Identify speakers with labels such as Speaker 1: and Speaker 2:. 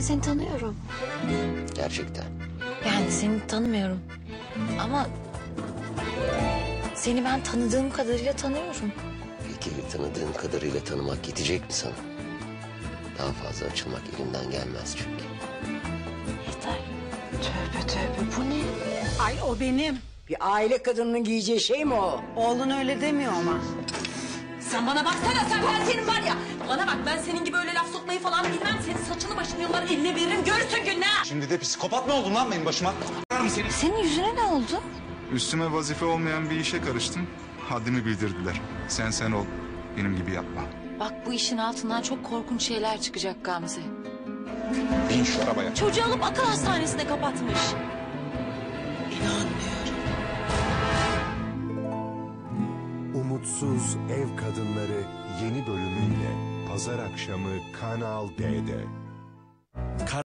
Speaker 1: seni tanıyorum.
Speaker 2: Gerçekten.
Speaker 1: Yani seni tanımıyorum. Ama seni ben tanıdığım kadarıyla tanıyorum.
Speaker 2: Peki tanıdığın kadarıyla tanımak yetecek mi sana? Daha fazla açılmak elimden gelmez çünkü.
Speaker 1: Yeter.
Speaker 3: Tövbe tövbe bu ne?
Speaker 4: Ay o benim.
Speaker 3: Bir aile kadınının giyeceği şey mi o?
Speaker 4: Oğlun öyle demiyor ama.
Speaker 5: Sen bana baksana, sen ben senin var ya. Bana bak, ben senin gibi öyle laf sokmayı falan bilmem. Senin saçını başını yollar eline veririm, görürsün gününü.
Speaker 6: Şimdi de psikopat mı oldun lan benim başıma?
Speaker 1: Senin yüzüne ne oldu?
Speaker 6: Üstüme vazife olmayan bir işe karıştım. Haddimi bildirdiler. Sen ol. Benim gibi yapma.
Speaker 1: Bak bu işin altından çok korkunç şeyler çıkacak Gamze.
Speaker 6: Bin şu arabaya.
Speaker 5: Çocuğu alıp akıl hastanesine kapatmış.
Speaker 7: Umutsuz Ev Kadınları yeni bölümüyle Pazar akşamı Kanal D'de.